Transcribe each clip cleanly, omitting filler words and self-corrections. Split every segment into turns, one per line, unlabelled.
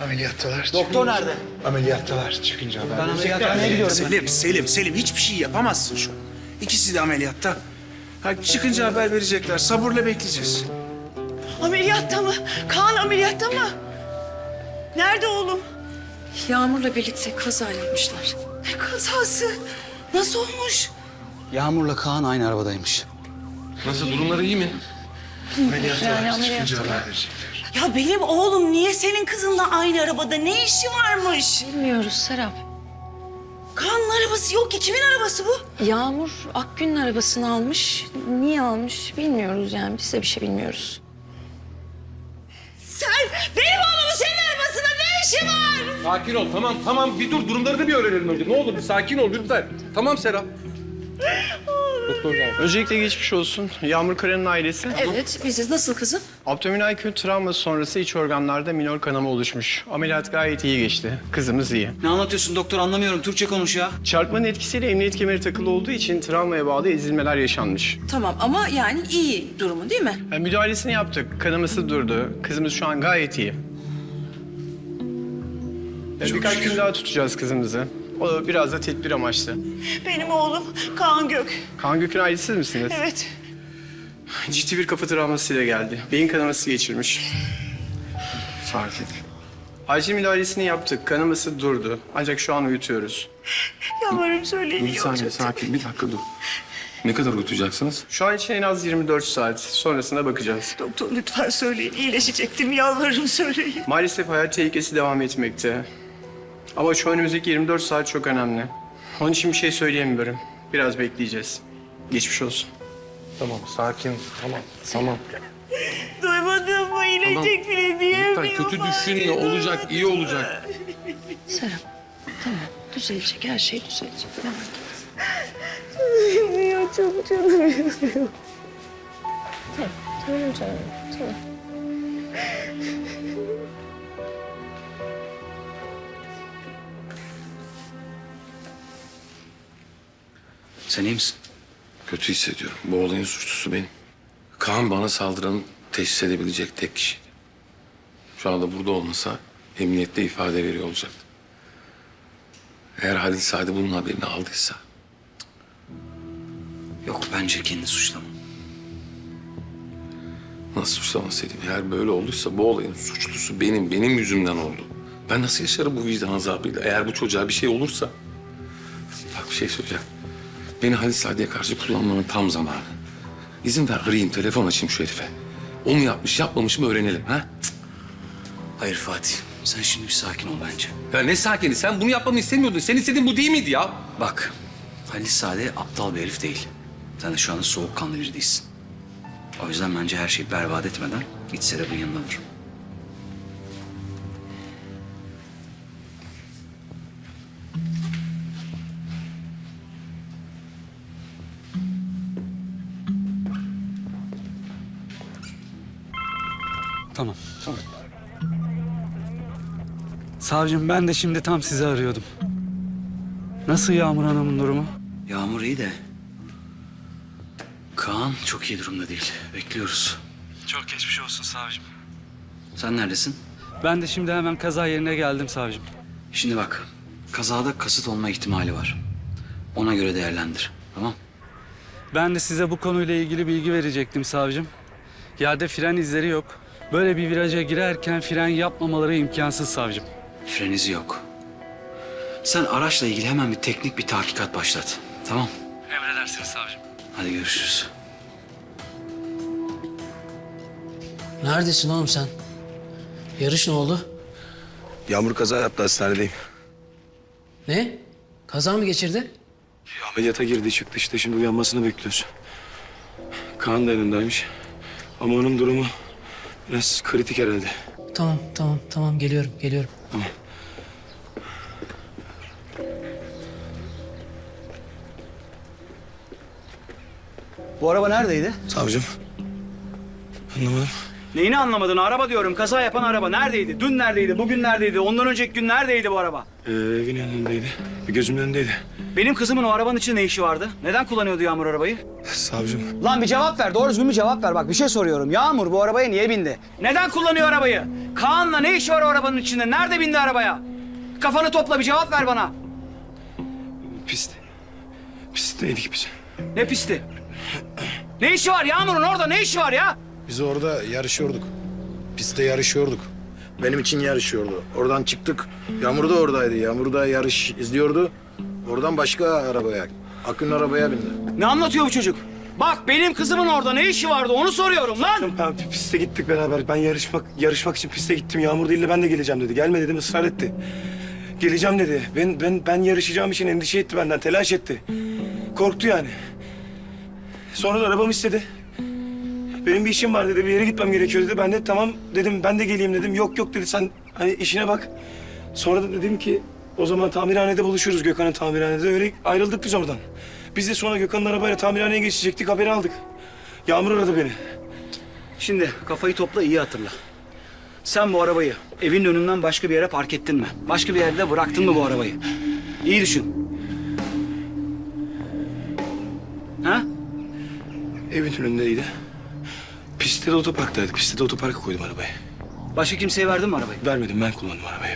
Ameliyattalar.
Doktor nerede?
Ameliyattalar. Çıkınca haber
Ben
verecekler.
ameliyathaneye gidiyorum.
Selim hiçbir şey yapamazsın şu an. İkisi de ameliyatta. Ha, çıkınca haber verecekler. Sabırla bekleyeceğiz.
Ameliyatta mı? Kaan ameliyatta mı? Nerede oğlum?
Yağmur'la birlikte kaza yapmışlar.
Ne kazası? Nasıl olmuş?
Yağmur'la Kaan aynı arabadaymış.
Nasıl, durumları iyi mi?
Ameliyattalar. Çıkınca haber verecekler.
Ya benim oğlum niye senin kızınla aynı arabada? Ne işi varmış?
Bilmiyoruz Serap.
Kaan'ın arabası yok ki. Kimin arabası bu?
Yağmur Akgün'ün arabasını almış. Niye almış bilmiyoruz yani. Biz de bir şey bilmiyoruz.
Sen benim oğlumun senin arabasında ne işi var?
Sakin ol, tamam. Bir dur, durumlarını bir öğrenelim önce. Ne olur bir sakin ol lütfen. Tamam Serap. Doktor geldi.
Öncelikle geçmiş olsun. Yağmur Kara'nın ailesi.
Evet biziz. Nasıl kızım?
Abdominal kötü travma sonrası iç organlarda minor kanama oluşmuş. Ameliyat gayet iyi geçti. Kızımız iyi.
Ne anlatıyorsun doktor, anlamıyorum. Türkçe konuş ya.
Çarpmanın etkisiyle emniyet kemeri takılı olduğu için travmaya bağlı ezilmeler yaşanmış.
Tamam ama yani iyi durumu değil mi?
Yani müdahalesini yaptık. Kanaması durdu. Kızımız şu an gayet iyi. Birkaç gün daha tutacağız kızımızı. O biraz da tedbir amaçlı.
Benim oğlum Kaan Gök.
Kaan Gök'ün ailesiz misiniz?
Evet.
Ciddi bir kafa travmasıyla geldi. Beyin kanaması geçirmiş.
Fark et.
Acil müdahalesini yaptık. Kanaması durdu. Ancak şu an uyutuyoruz.
Yalvarırım söyleyin.
Bir saniye, sakin. Bir dakika dur. Ne kadar uyutacaksınız?
Şu an için en az 24 saat. Sonrasına bakacağız.
Doktor lütfen söyleyin. İyileşecektim. Yalvarırım söyleyin.
Maalesef hayat tehlikesi devam etmekte. Ama şu önümüzdeki 24 saat çok önemli. Onun için bir şey söyleyemiyorum. Biraz bekleyeceğiz. Geçmiş olsun.
Tamam, sakin. Tamam.
Duymadın mı? İyileşecek bile
Lütfen
diyemiyorum.
kötü düşünme. Olacak, iyi olacak.
Serap tamam düzelecek her şey düzelecek. Merak etme.
Ya çok canım yanıyor.
Tamam canım tamam.
Sen iyi misin?
Kötü hissediyorum. Bu olayın suçlusu benim. Kaan bana saldıranı teşhis edebilecek tek kişi. Şu anda burada olmasa emniyette ifade veriyor olacaktı. Eğer Halil Sadi bunun haberini aldıysa...
Yok, bence kendini suçlama.
Nasıl suçlamasaydım? Eğer böyle olduysa bu olayın suçlusu benim yüzümden oldu. Ben nasıl yaşarım bu vicdan azabıyla? Eğer bu çocuğa bir şey olursa... Bak bir şey söyleyeceğim. Beni Halil Sadi'ye karşı kullanmanın tam zamanı. İzin ver arayayım, telefon açayım şu herife. O mu yapmış, yapmamış mı öğrenelim ha? Cık.
Hayır Fatih, sen şimdi bir sakin ol bence.
Ya ne sakini? Sen bunu yapmamı istemiyordun. Sen istediğin bu değil miydi ya?
Bak, Halil Sade aptal bir herif değil. Sen de şu anda soğukkanlı biri değilsin. O yüzden bence her şeyi berbat etmeden git Serap'ın yanına dur.
Tamam. Savcım ben de şimdi tam sizi arıyordum. Nasıl Yağmur Hanım'ın durumu?
Yağmur iyi de... Kaan çok iyi durumda değil. Bekliyoruz.
Çok geçmiş olsun savcım.
Sen neredesin?
Ben de şimdi hemen kaza yerine geldim savcım.
Şimdi bak, kazada kasıt olma ihtimali var. Ona göre değerlendir, tamam?
Ben de size bu konuyla ilgili bilgi verecektim savcım. Yerde fren izleri yok. Böyle bir viraja girerken fren yapmamaları imkansız savcım.
Fren izi yok. Sen araçla ilgili hemen bir tahkikat başlat, tamam?
Emredersiniz savcım.
Hadi görüşürüz.
Neredesin oğlum sen? Yarış ne oldu?
Yağmur kaza yaptı, hastanedeyim.
Ne? Kaza mı geçirdi?
Ameliyata girdi çıktı işte, şimdi uyanmasını bekliyoruz. Kaan da yanındaymış. Ama onun durumu biraz kritik herhalde.
Tamam geliyorum.
Tamam.
Bu araba neredeydi?
Savcım. Anlamadım.
Neyini anlamadın? Araba diyorum. Kaza yapan araba neredeydi? Dün neredeydi? Bugün neredeydi? Ondan önceki gün neredeydi bu araba?
Evin önündeydi. Bir gözümün önündeydi.
Benim kızımın o arabanın içinde ne işi vardı? Neden kullanıyordu Yağmur arabayı?
Savcım.
Lan bir cevap ver. Doğru düzgün bir cevap ver. Bak bir şey soruyorum. Yağmur bu arabaya niye bindi? Neden kullanıyor arabayı? Kaan'la ne işi var o arabanın içinde? Nerede bindi arabaya? Kafanı topla bir cevap ver bana.
Pist. Pistteydik biz.
Ne pisti? Ne işi var Yağmur'un orada? Ne işi var ya?
Biz orada yarışıyorduk. Pistte yarışıyorduk. Benim için yarışıyordu. Oradan çıktık. Yağmur da oradaydı. Yağmur da yarış izliyordu. Oradan başka arabaya, Akın'ın arabaya bindi.
Ne anlatıyor bu çocuk? Bak benim kızımın orada ne işi vardı onu soruyorum lan.
Ben piste gittik beraber. Ben yarışmak için piste gittim. Yağmur değil de ben de geleceğim dedi. Gelme dedim, ısrar etti. Geleceğim dedi. Ben yarışacağım için endişe etti benden, telaş etti. Korktu yani. Sonra da arabamı istedi. Benim bir işim var dedi, bir yere gitmem gerekiyor dedi. Ben de tamam dedim, ben de geleyim dedim. Yok dedi, sen hani işine bak. Sonra da dedim ki o zaman tamirhanede buluşuruz, Gökhan'ın tamirhanede. Öyle ayrıldık biz oradan. Biz de sonra Gökhan'ın arabayla tamirhaneye geçecektik, haberi aldık. Yağmur aradı beni.
Şimdi kafayı topla iyi hatırla. Sen bu arabayı evin önünden başka bir yere park ettin mi? Başka bir yerde bıraktın mı bu arabayı? İyi düşün. Ha?
Evin önündeydi. Pistte de otoparktaydık. Pistte de otoparka koydum arabayı.
Başka kimseye verdin mi arabayı?
Vermedim, ben kullandım arabayı hep.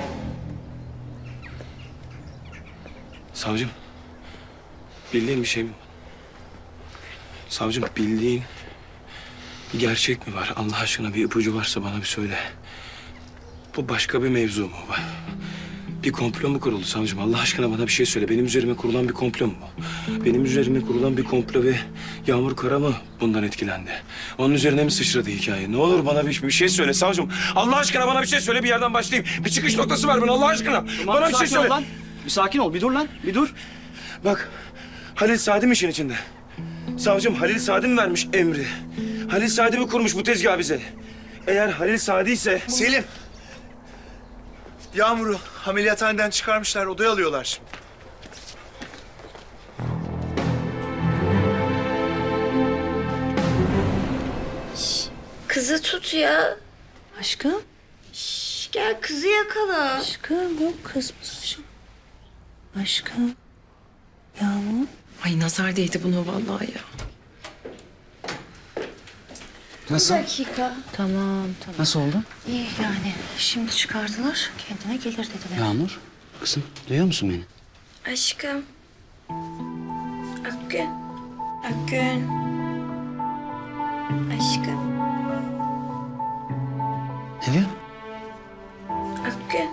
Savcım, bildiğin bir şey mi? Savcım, bildiğin bir gerçek mi var? Allah aşkına bir ipucu varsa bana bir söyle. Bu başka bir mevzu mu var? Bir komplo mu kuruldu savcım? Allah aşkına bana bir şey söyle. Benim üzerime kurulan bir komplo mu bu? Benim üzerime kurulan bir komplo ve Yağmur Kara mı bundan etkilendi? Onun üzerine mi sıçradı hikaye? Ne olur bana bir şey söyle savcım. Allah aşkına bana bir şey söyle, bir yerden başlayayım. Bir çıkış noktası ver bana Allah aşkına.
Tamam,
Bana bir şey
sakin ol
söyle.
lan. Bir sakin ol, bir dur lan, bir dur.
Bak, Halil Sadi mi işin içinde? Savcım, Halil Sadi mi vermiş emri? Halil Sadi mi kurmuş bu tezgahı bize? Eğer Halil Sadi ise...
Selim. Yağmur'u ameliyathaneden çıkarmışlar, odaya alıyorlar şimdi.
Kızı tut ya.
Aşkım.
Gel kızı yakala.
Aşkım yok kızmış aşkım. Aşkım. Yağmur.
Ay nazar değdi buna vallahi ya.
Nasıl?
Dakika.
Tamam.
Nasıl oldu?
İyi yani. Şimdi çıkardılar. Kendine gelir dediler.
Yağmur, kızım duyuyor musun beni?
Aşkım. Akgün. Akgün. Aşkım.
Ne diyor?
Akgün.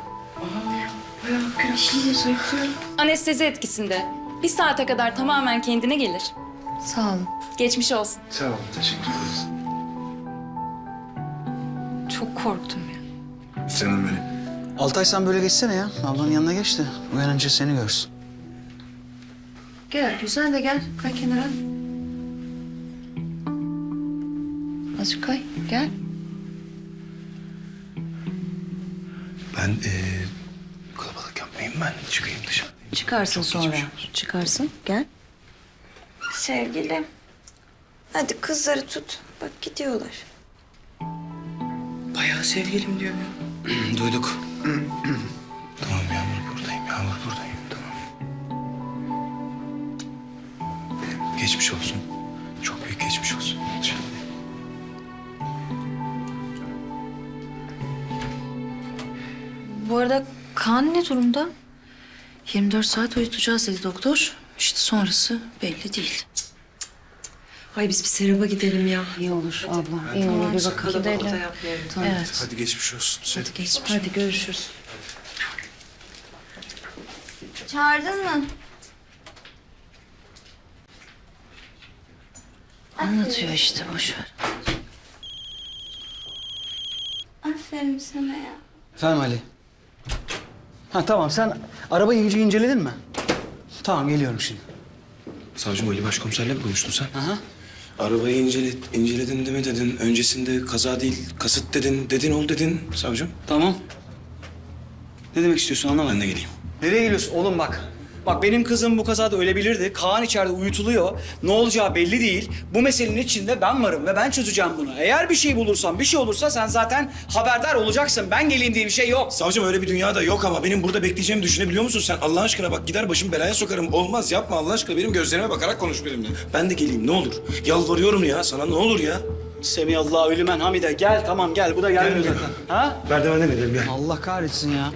Anestezi etkisinde. Bir saate kadar tamamen kendine gelir.
Sağ olun.
Geçmiş olsun.
Sağ olun, teşekkür ederiz.
Çok korktum ya.
Canım benim.
Altay sen böyle geçsene ya. Ablanın yanına geç de uyanınca seni görsün.
Gel güzel de gel. Kay kenara. Azıcık kay. Gel.
Ben kalabalık yapmayayım, ben çıkayım dışarı.
Çıkarsın sonra. Çıkarsın. Gel.
Sevgilim. Hadi kızları tut. Bak gidiyorlar.
Bayağı sevgilim diyor. Duyduk.
Tamam Yağmur buradayım, Yağmur buradayım. Tamam. Geçmiş olsun. Çok büyük geçmiş olsun.
Bu arada Kaan ne durumda? 24 saat uyutacağız dedi doktor. İşte sonrası belli değil.
Ay biz bir seraba gidelim ya.
İyi olur abla. İyi olur. Bir bakalım.
Gidelim.
Tamam. Evet.
Hadi geçmiş olsun.
Hadi geç. Hadi görüşürüz.
Çağırdın mı?
Anlatıyor işte boş ver.
Aferin sana ya.
Efendim Ali. Ha tamam sen arabayı iyice inceledin mi? Tamam geliyorum şimdi.
Savcım, Ali Başkomiserle mi konuştun sen?
Aha.
Arabayı inceledin de mi dedin? Öncesinde kaza değil, kasıt dedin. Dedin ol dedin savcım.
Tamam. Ne demek istiyorsun anlamadım.
Ben de geleyim.
Nereye geliyorsun oğlum bak. Bak benim kızım bu kazada ölebilirdi. Kaan içeride uyutuluyor. Ne olacağı belli değil. Bu meselenin içinde ben varım ve ben çözeceğim bunu. Eğer bir şey bulursam, bir şey olursa sen zaten haberdar olacaksın. Ben geleyim diye bir şey yok.
Savcım öyle bir dünya da yok ama benim burada bekleyeceğimi düşünebiliyor musun sen? Allah aşkına bak gider başım belaya sokarım. Olmaz yapma Allah aşkına benim gözlerime bakarak konuş benimle. Ben de geleyim ne olur. Yalvarıyorum ya sana ne olur ya.
Semiyallahu lümen hamide. Gel tamam gel. Bu da gelmiyor
Gel.
zaten. Ha?
Merdivenden inelim gel.
Allah kahretsin ya.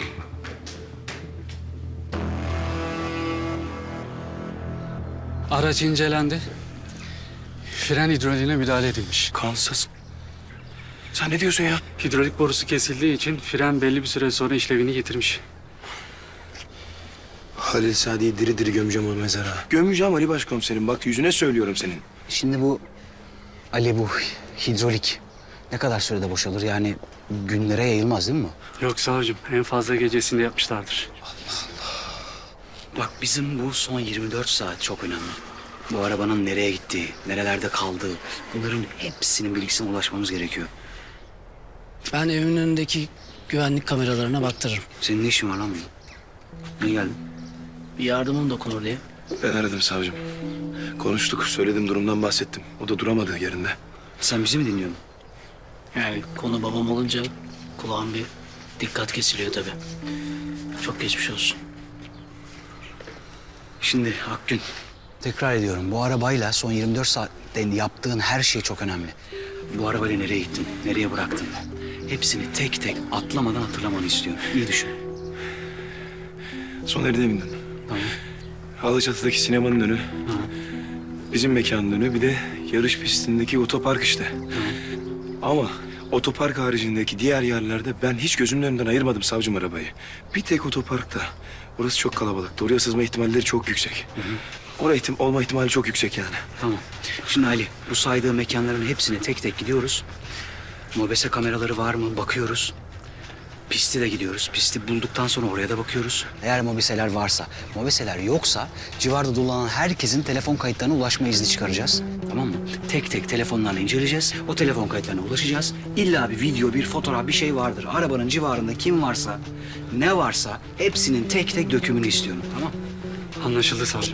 Araç incelendi. Fren hidroliğine müdahale edilmiş.
Kansız. Sen ne diyorsun ya?
Hidrolik borusu kesildiği için fren belli bir süre sonra işlevini yitirmiş.
Halil Sadi'yi diri diri gömeceğim o mezara. Gömeceğim Ali Başkomiserim. Bak yüzüne söylüyorum senin.
Şimdi bu Ali bu hidrolik ne kadar sürede boşalır? Yani günlere yayılmaz değil mi bu?
Yok savcım, en fazla gecesinde yapmışlardır.
Bak bizim bu son 24 saat çok önemli. Bu arabanın nereye gittiği, nerelerde kaldığı, bunların hepsinin bilgisine ulaşmamız gerekiyor.
Ben evimin önündeki güvenlik kameralarına baktırırım.
Senin ne işin var lan benim? Niye geldin?
Bir yardımım dokunur diye.
Ben aradım savcım. Konuştuk, söyledim durumdan bahsettim. O da duramadı yerinde.
Sen bizi mi dinliyordun?
Yani konu babam olunca kulağım bir dikkat kesiliyor tabii. Çok geçmiş olsun.
Şimdi Akgün, tekrar ediyorum. Bu arabayla son 24 saatte yaptığın her şey çok önemli. Bu arabayla nereye gittin, nereye bıraktın? Hepsini tek tek atlamadan hatırlamanı istiyorum. İyi düşün.
Soner'e bindim.
Tamam.
Alaçatı'daki sinemanın önü. Bizim mekanın önü. Bir de yarış pistindeki otopark işte. Ama otopark haricindeki diğer yerlerde ben hiç gözümün önünden ayırmadım savcım arabayı. Bir tek otoparkta. Orası çok kalabalıktı. Oraya sızma ihtimalleri çok yüksek. Oraya olma ihtimali çok yüksek yani.
Tamam. Şimdi Ali, bu saydığım mekanların hepsine tek tek gidiyoruz. Mobese kameraları var mı? Bakıyoruz. Pisti de gidiyoruz. Pisti bulduktan sonra oraya da bakıyoruz. Eğer mobeseler varsa, mobeseler yoksa civarda dolanan herkesin telefon kayıtlarına ulaşma izni çıkaracağız. Tamam mı? Tek tek telefonlarla inceleyeceğiz. O telefon kayıtlarına ulaşacağız. İlla bir video, bir fotoğraf, bir şey vardır. Arabanın civarında kim varsa, ne varsa hepsinin tek tek dökümünü istiyorum. Tamam?
Anlaşıldı savcım.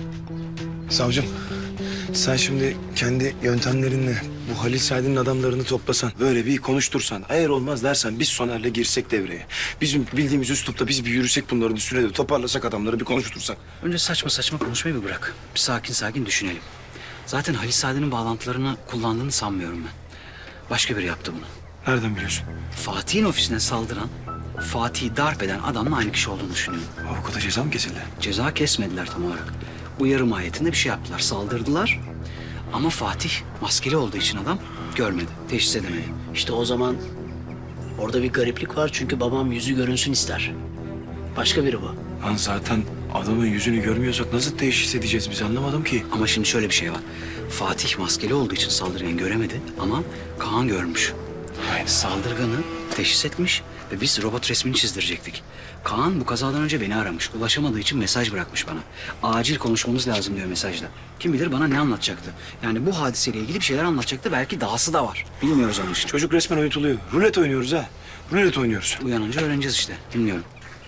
Savcım, sen şimdi kendi yöntemlerinle bu Halil Said'in adamlarını toplasan, böyle bir konuştursan, eğer olmaz dersen biz Soner'le girsek devreye. Bizim bildiğimiz üslupta biz bir yürüsek bunların üstüne de toparlasak adamları bir konuştursak.
Önce saçma saçma konuşmayı bir bırak. Bir sakin sakin düşünelim. Zaten Halis Saadet'in bağlantılarını kullandığını sanmıyorum ben. Başka biri yaptı bunu.
Nereden biliyorsun?
Fatih'in ofisine saldıran, Fatih'i darp eden adamla aynı kişi olduğunu düşünüyorum.
Avukata ceza mı kesildi?
Ceza kesmediler tam olarak. Uyarı mahiyetinde bir şey yaptılar. Saldırdılar. Ama Fatih maskeli olduğu için adam görmedi, teşhis edemedi.
İşte o zaman orada bir gariplik var çünkü babam yüzü görünsün ister. Başka biri bu.
Lan zaten adamın yüzünü görmüyorsak nasıl teşhis edeceğiz biz anlamadım ki.
Ama şimdi şöyle bir şey var. Fatih maskeli olduğu için saldırganı göremedi ama Kaan görmüş. Saldırganı teşhis etmiş ve biz robot resmini çizdirecektik. Kaan bu kazadan önce beni aramış. Ulaşamadığı için mesaj bırakmış bana. Acil konuşmamız lazım diyor mesajda. Kim bilir bana ne anlatacaktı. Yani bu hadiseyle ilgili bir şeyler anlatacaktı. Belki dahası da var. Bilmiyoruz onun için.
Çocuk resmen uyutuluyor. Rulet oynuyoruz ha. Rulet oynuyoruz.
Uyanınca öğreneceğiz işte. Bilmiyorum.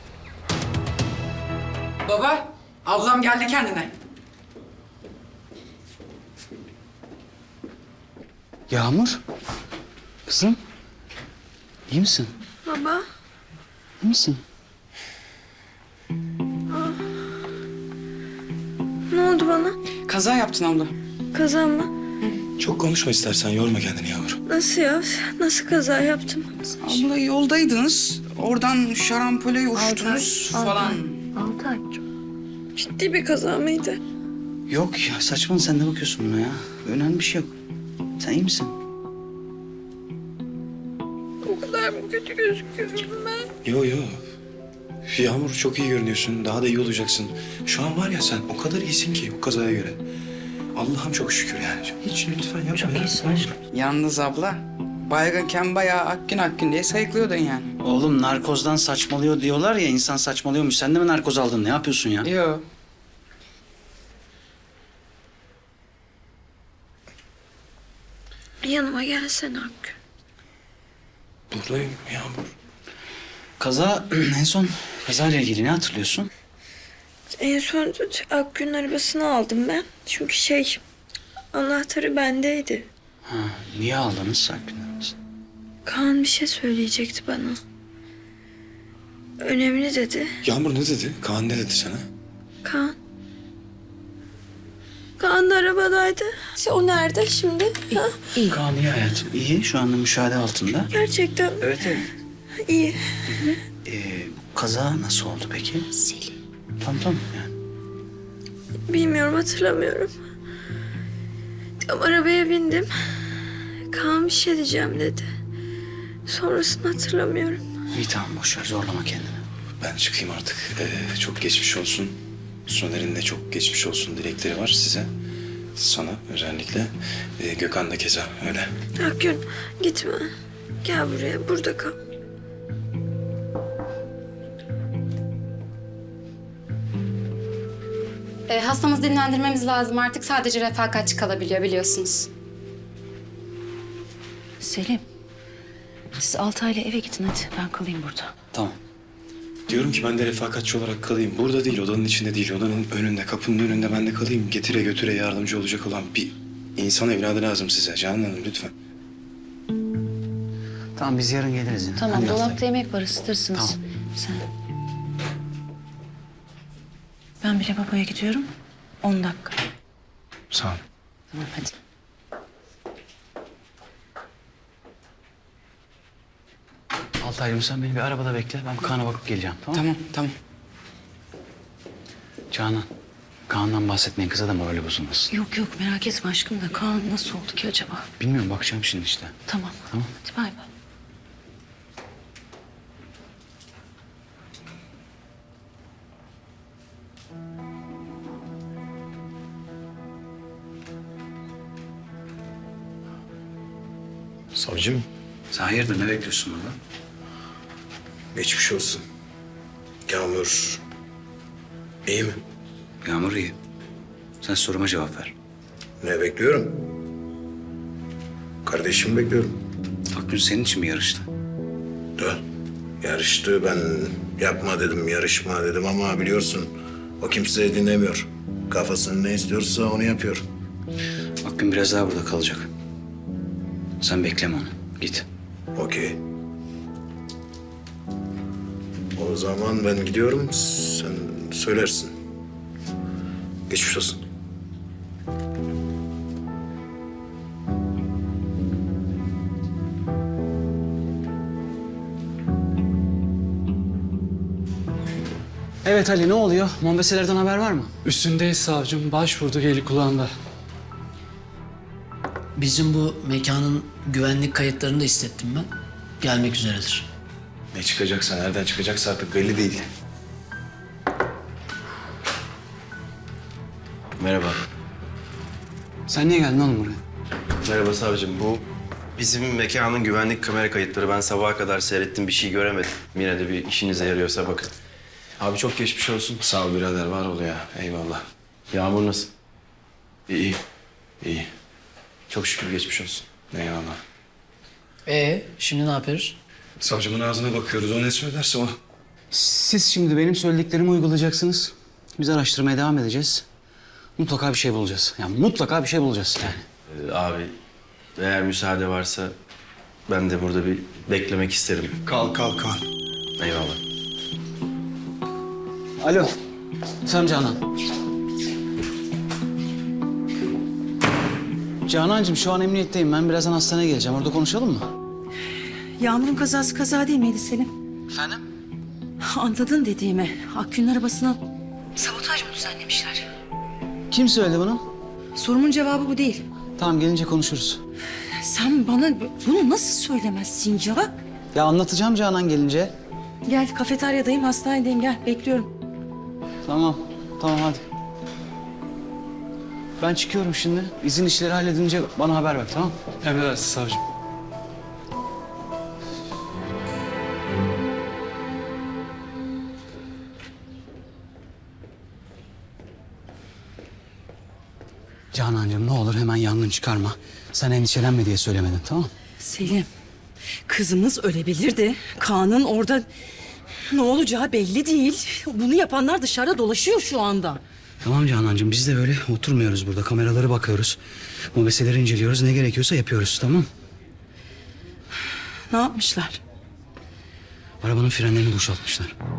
Baba, ablam geldi kendine.
Yağmur. Kızım. İyi misin?
Baba.
İyi misin?
Ne oldu bana?
Kaza yaptın abla.
Kaza mı?
Çok konuşma istersen yorma kendini Yağmur.
Nasıl ya? Nasıl kaza yaptım?
Abla yoldaydınız. Oradan şarampole uçtunuz falan.
6 ay. Ciddi bir kaza mıydı?
Yok ya saçma sen ne bakıyorsun buna ya? Önemli bir şey yok. Sen iyi misin?
O kadar mı kötü gözüküyorum ben?
Yo. Yağmur çok iyi görünüyorsun. Daha da iyi olacaksın. Şu an var ya sen o kadar iyisin ki bu kazaya göre. Allah'ım çok şükür yani. Hiç lütfen yapma. Çok iyisin aşkım.
Yalnız abla, baygınken bayağı Akgün diye sayıklıyordun yani.
Oğlum narkozdan saçmalıyor diyorlar ya insan saçmalıyormuş. Sen de mi narkoz aldın? Ne yapıyorsun ya?
Yo.
Yanıma gelsene Hakkı.
Buradayım Yağmur.
Kaza en son kazayla ilgili ne hatırlıyorsun?
En son Akgün'ün arabasını aldım ben. Çünkü anahtarı bendeydi.
Ha, niye aldınız Akgün'ü?
Kaan bir şey söyleyecekti bana. Önemli dedi.
Yağmur ne dedi? Kaan ne dedi sana?
Kaan. Kaan da arabadaydı. O nerede şimdi? Ha?
Kaan iyi hayatım. İyi, şu anda müşahede altında.
Gerçekten
Evet, evet.
iyi.
Kaza nasıl oldu peki?
Selim.
Tamam yani.
Bilmiyorum, hatırlamıyorum. Tam arabaya bindim. Kaan bir şey diyeceğim dedi. Sonrasını hatırlamıyorum.
İyi tamam, boş ver, zorlama kendini.
Ben çıkayım artık. Çok geçmiş olsun. Soner'in de çok geçmiş olsun dilekleri var size. Sana özellikle. Gökhan da keza öyle.
Akgün gitme. Gel buraya, burada kal.
Hastamızı dinlendirmemiz lazım artık. Sadece refakatçi kalabiliyor biliyorsunuz.
Selim, siz Altay'la eve gidin hadi. Ben kalayım burada.
Tamam.
Diyorum ki ben de refakatçi olarak kalayım. Burada değil, odanın içinde değil. Odanın önünde, kapının önünde ben de kalayım. Getire götüre yardımcı olacak olan bir insan evladı lazım size. Canan Hanım lütfen.
Tamam, biz yarın geliriz yine.
Tamam,
Hadi
dolapta
Altay.
yemek var, ısıtırsınız.
Tamam.
Sen. Ben bile babaya gidiyorum. 10 dakika.
Sağ ol.
Tamam, hadi.
Altay'cığım sen beni bir arabada bekle. Ben Kaan'a bakıp geleceğim, tamam mı?
Tamam.
Canan, Kaan'dan bahsetmeyin, kıza da morali bozulmasın.
Yok yok, merak etme aşkım da Kaan nasıl oldu ki acaba?
Bilmiyorum, bakacağım şimdi işte.
Tamam.
Tamam.
Hadi bay bay.
Savcım,
Sen hayırdır, ne bekliyorsun burada?
geçmiş olsun. Yağmur iyi mi?
Yağmur iyi. Sen soruma cevap ver.
Ne bekliyorum? Kardeşimi bekliyorum.
Akgün senin için mi yarıştı?
Da yarıştı, ben yapma dedim, yarışma dedim ama biliyorsun o kimseyi dinlemiyor. Kafasını ne istiyorsa onu yapıyor.
Akgün biraz daha burada kalacak. Sen bekleme onu. Git.
Okey. O zaman ben gidiyorum, sen söylersin. Geçmiş olsun.
Evet Ali, ne oluyor? Mombeselerden haber var mı?
Üstündeyiz savcım. Başvurduk, eli kulağında.
Bizim bu mekanın güvenlik kayıtlarını da istettim ben. Gelmek üzeredir.
Ne çıkacaksa, nereden çıkacaksa artık belli değil.
Merhaba.
Sen niye geldin oğlum buraya?
Merhaba savcım. Bu bizim mekanın güvenlik kamera kayıtları. Ben sabaha kadar seyrettim, bir şey göremedim. Yine de bir işinize yarıyorsa bakın.
Abi çok geçmiş olsun. Sağ ol birader, var ol ya. Eyvallah.
Yağmur nasıl?
İyi, iyi. Çok şükür geçmiş olsun. Eyvallah.
Şimdi ne yapıyoruz?
Savcımın ağzına bakıyoruz. O ne söylerse o.
Siz şimdi benim söylediklerimi uygulayacaksınız. Biz araştırmaya devam edeceğiz. Mutlaka bir şey bulacağız. Yani mutlaka bir şey bulacağız yani.
Abi eğer müsaade varsa ben de burada bir beklemek isterim.
Kal.
Eyvallah.
Alo. Sen Canan. Canancığım şu an emniyetteyim. Ben birazdan hastaneye geleceğim. Orada konuşalım mı?
Yağmur'un kazası kaza değil miydi Selim?
Efendim?
Anladın dediğimi. Akgün'ün arabasına sabotaj mı düzenlemişler?
Kim söyledi bunu?
Sorumun cevabı bu değil.
Tamam, gelince konuşuruz.
Sen bana bunu nasıl söylemezsin ya?
Ya anlatacağım Canan gelince.
Gel, kafeteryadayım, hastanedeyim, gel. Bekliyorum.
Tamam hadi. Ben çıkıyorum şimdi. İzin işleri halledince bana haber ver, tamam?
Emredersiniz savcım.
Canancığım ne olur hemen yangın çıkarma. Sen endişelenme diye söylemedin, tamam mı?
Selim, kızımız ölebilirdi. Kaan'ın orada
Ne olacağı belli değil. Bunu yapanlar dışarıda dolaşıyor şu anda.
Tamam Canancığım, biz de öyle oturmuyoruz burada. Kameraları bakıyoruz. Mobeseleri inceliyoruz. Ne gerekiyorsa yapıyoruz, tamam?
Ne yapmışlar?
Arabanın frenlerini boşaltmışlar.